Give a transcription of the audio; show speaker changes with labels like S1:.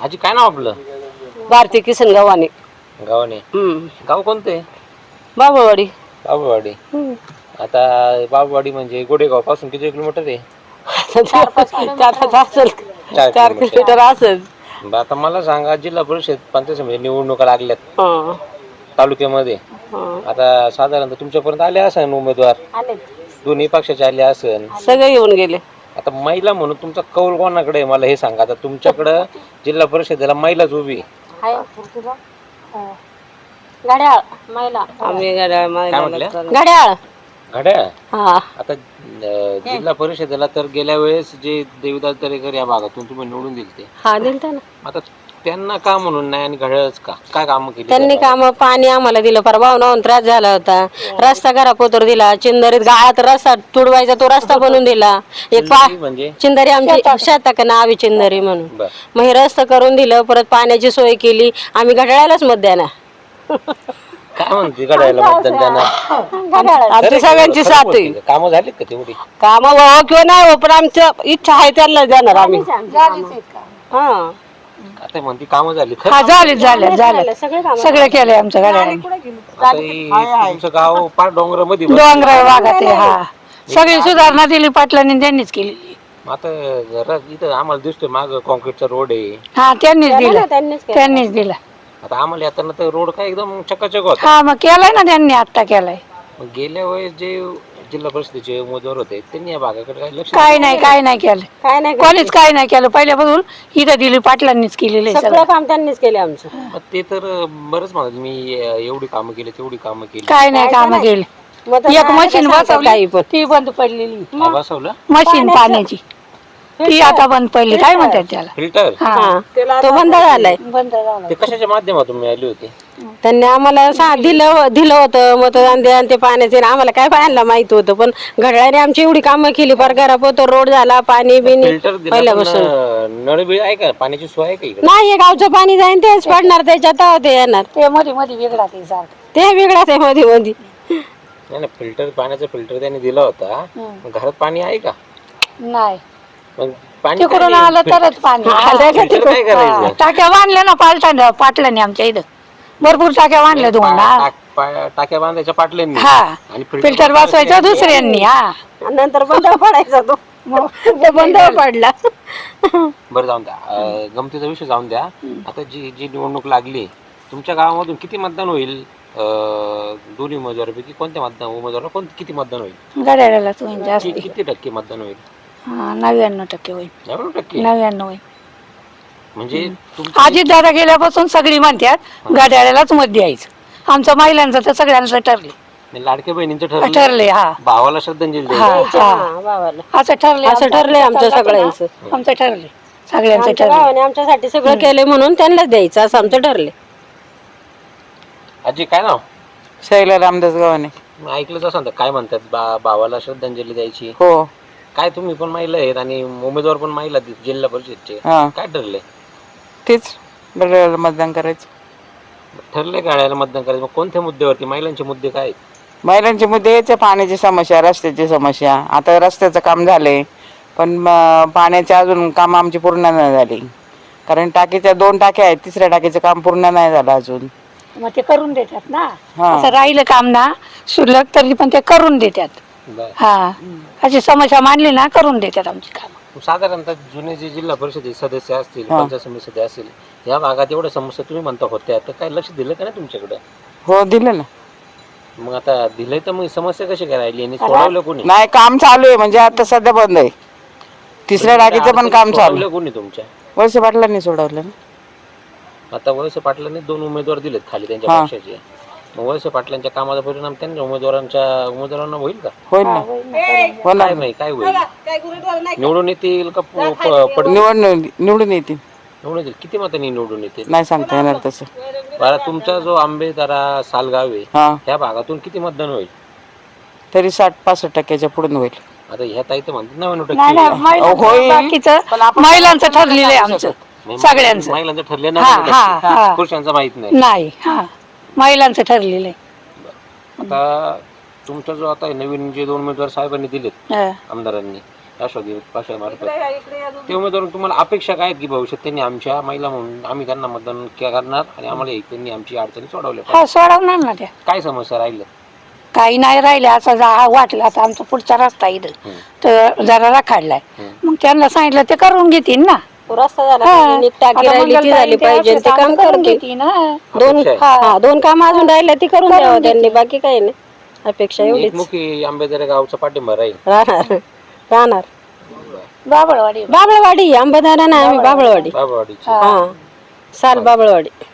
S1: आजी काय नाव आपलं?
S2: भारती किसन गावाने.
S1: गावाने. गाव कोणते?
S2: बाबुळवाडी.
S1: बाबुळवाडी. आता बाबुळवाडी म्हणजे गोडेगाव पासून किती किलोमीटर आहे?
S2: 4 किलोमीटर असेल.
S1: आता मला सांगा, जिल्हा परिषद पंचायत समिती निवडणुका लागल्यात तालुक्यामध्ये. आता साधारणतः तुमच्यापर्यंत आले असेल उमेदवार, दोन्ही पक्षाचे आले असेल,
S2: सगळे येऊन गेले.
S1: आता महिला म्हणून तुमचा कौल कोणाकडे आहे मला हे सांगा. आता तुमच्याकडं जिल्हा परिषदेला महिलाच उभी
S2: घड्याळ महिला, आम्ही
S1: घड्याळ घड्याळ. आता जिल्हा परिषदेला तर गेल्या वेळेस जे देवीदास दरेकर या भागातून तुम्ही निवडून दिलते, आता त्यांना का म्हणून नाही आणि घड्याळच का? काय काम केली
S2: त्यांनी? काम पाणी आम्हाला दिलं, परभावना त्रास झाला होता, रस्ता घरापोतर दिला, चिंदरीत गाळात रस्ता तुडवायचा तो रस्ता बनवून दिला. एक
S1: म्हणजे
S2: चिंदरी आमची शेतात नावी चिंदरी म्हणून, मग हे रस्ता करून दिलं, परत पाण्याची सोय केली. आम्ही घड्याळालाच मत द्या ना.
S1: काय म्हणते घड्याळाला मतदान देणार?
S2: आमची सगळ्यांची साथ आहे.
S1: कामं झाली का तेवढी?
S2: काम हो किंवा नाही हो, पण आमच्या इच्छा आहे त्यांना देणार आम्ही.
S1: आता म्हणते कामं झाली.
S3: सगळे केले आमच्या गाड्या.
S1: तुमचं गाव पार डोंगरामध्ये
S3: डोंगराळ भागात आहे. हा, सगळी सुधारणा दिली पाटलांनी, त्यांनीच केली.
S1: आता इथं आम्हाला दिसतोय माग कॉन्क्रीटचा रोड आहे.
S3: हा, त्यांनीच दिला.
S1: आता आम्हाला येताना तर रोड काय एकदम चकाचक होता.
S3: हा, मग केलाय ना त्यांनी, आता केलाय.
S1: गेल्या वेळेस जे जिल्हा परिषदेचे उमेदवार होते त्यांनी या भागाकडे काही लक्ष
S3: काय नाही केलं, कोणीच काय नाही केलं. पहिल्यापासून इथं दिली पाटलांनीच केलेलं आहे,
S2: सगळं काम त्यांनीच केले आमचं.
S1: ते तर बरंच म्हणत मी एवढी कामं केली तेवढी कामं केली.
S3: काय नाही कामं केली. एक मशीन बसवली, ती बंद पडलेली.
S1: बसवलं
S3: मशीन पाण्याची, ती आता बंद पडली. काय म्हणतात त्याला?
S1: फिल्टर.
S2: तो बंद झालाय.
S1: ते कशाच्या माध्यमातून मिळाली होती?
S2: त्यांनी आम्हाला दिलं होतं मतदान द्या, ते पाण्याचे आम्हाला काय पाहायला माहित होतं, पण घड्याळाने आमची एवढी कामं केली. फार घरापोतर रोड झाला, पाणी बिनी पहिल्यापासून.
S1: नळबिळ आहे का? पाण्याची सोय आहे का इकडे?
S2: नाही, गावचं पाणी जाईन तेच पडणार, त्याच्यात ते येणार.
S3: ते मध्ये मध्ये वेगळा
S2: ते वेगळाच आहे मध्ये मध्ये.
S1: नाही, फिल्टर, पाण्याचा फिल्टर त्यांनी दिला होता. घरात पाणी आहे का?
S3: नाही,
S1: मग पाणी
S3: तिकडून आलं तरच पाणी.
S1: काय करायचं?
S3: टाक्या बांधल्या ना पाटलांनी आमच्या इथं, भरपूर टाक्या बांधल्या दोन.
S1: टाक्या बांधायच्या पाटल्यांनी,
S3: हा,
S1: आणि
S3: फिल्टर बसवायचा दुसऱ्यांनी. हा,
S2: नंतर बंद पडायचा तो बंद पडला.
S1: बरं, जाऊन द्या, गमतीचा विषय जाऊन द्या. आता जी निवडणूक लागली, तुमच्या गावामधून किती मतदान होईल? दोन्ही उमेदवारापैकी कोणत्या उमेदवाराला किती मतदान होईल?
S3: घड्याळालाच होईल जास्त.
S1: किती टक्के मतदान होईल?
S3: 99% होईल. 99 होईल.
S1: म्हणजे
S3: अजित दादा गेल्यापासून सगळी म्हणतात घड्याळालाच मत द्यायचं. आमच्या महिलांचं तर सगळ्यांचं ठरले.
S1: लाडक्या बहिणींचं
S3: ठरले. हा,
S1: भावाला श्रद्धांजली
S2: असं ठरले आमच्या सगळ्यांचं.
S3: आमचं ठरले, सगळ्यांचं ठरले.
S2: आमच्यासाठी सगळं केलंय म्हणून त्यांनाच द्यायचं असं आमचं ठरले.
S1: आजी काय नाव?
S4: शैला रामदास गावाने.
S1: ऐकलंच असं काय म्हणतात, भावाला श्रद्धांजली द्यायची.
S4: हो.
S1: काय तुम्ही पण महिला आहेत आणि उमेदवार पण महिला जिल्हा परिषदचे, काय ठरले?
S4: तेच घड्याळाला मतदान करायचं
S1: ठरले. घड्याळाला मतदान करायचं. मग कोणत्या मुद्द्यावरती? महिलांचे मुद्दे काय आहेत?
S4: महिलांचे मुद्दे याचे, पाण्याची समस्या, रस्त्याची समस्या. आता रस्त्याचं काम झालंय, पण पाण्याचे अजून काम आमची पूर्ण नाही झाली. कारण टाकीच्या 2 टाक्या आहेत, तिसऱ्या टाकीचं काम पूर्ण नाही झालं अजून.
S3: मग ते करून देतात ना, असं राहिलं काम ना शुल्लक तरी पण ते करून देतात. हा, अशी समस्या मांडली ना करून देतात आमची काम.
S1: साधारणतः जुने जे जिल्हा परिषद सदस्य असतील, पंचायत समिती सदस्य असतील, या भागात एवढ्या समस्या तुम्ही म्हणता होत्या, तर काय लक्ष दिलं का नाही तुमच्याकडे?
S4: हो, दिलं ना.
S1: मग आता दिलंय तर मग समस्या कशी काय राहिली आणि सोडवलं कोणी?
S4: नाही, काम चालू आहे, म्हणजे आता सध्या बंद आहे. तिसऱ्या टाकीचं पण काम चालू.
S1: कोणी तुमच्या?
S4: वळसे पाटलांनी सोडवलं ना.
S1: आता वळसे पाटलांनी 2 उमेदवार दिलेत खाली त्यांच्या पक्षाचे. मग वळसे पाटलांच्या कामाचा परिणाम त्यांच्या उमेदवारांना होईल का?
S4: होईल ना.
S1: होणार नाही. काय होईल? निवडून येतील का?
S4: निवडून येतील.
S1: निवडून येतील. किती मतांनी निवडून येतील
S4: नाही सांगता येणार तसं.
S1: बरं, तुमचा जो आंबेदारा सालगाव आहे, त्या भागातून किती मतदान होईल?
S4: तरी 60-65% पुढे होईल.
S1: आता ह्या ताई तर म्हणतात 99%
S3: होईल. महिलांचं ठरलेलं आहे आमचं, सगळ्यांचं.
S1: महिलांचं ठरलं नाही, पुरुषांचं माहित
S3: नाही. महिलांचं ठरलेलं आहे.
S1: आता तुमचा जो आता नवीन जे 2 उमेदवार साहेबांनी दिलेत आमदारांनी, राष्ट्रवादी पक्षामार्फत ते उमेदवार तुम्हाला अपेक्षा काय आहेत की भविष्यात त्यांनी आमच्या महिला म्हणून आम्ही त्यांना मतदान करणार आणि आम्हाला त्यांनी आमची अडचणी सोडवल्या
S3: हा सोडवणार ना त्या
S1: काय समस्या राहिल्या
S3: काही नाही राहिले असं वाटलं आता आमचा पुढचा रस्ता इथं तर जरा राखाडलाय मग त्यांना सांगितलं ते करून घेतील ना
S2: रस्ता झाला पाहिजे, नीट टाकी राहिली ती झाली पाहिजे ते काम करून
S3: घेतील ना
S2: दोन काम अजून राहिले ती करून द्यावं त्यांनी, बाकी काही नाही अपेक्षा एवढीच.
S1: एकमुखी आंबेदरे गावचा पाठिंबा राहील
S2: राहणार
S3: बाबळवाडी
S2: बाबळवाडी, आंबेदारा नाही आम्ही बाबळवाडी.
S1: बाबावाडीची
S2: हा साल बाबळवाडी.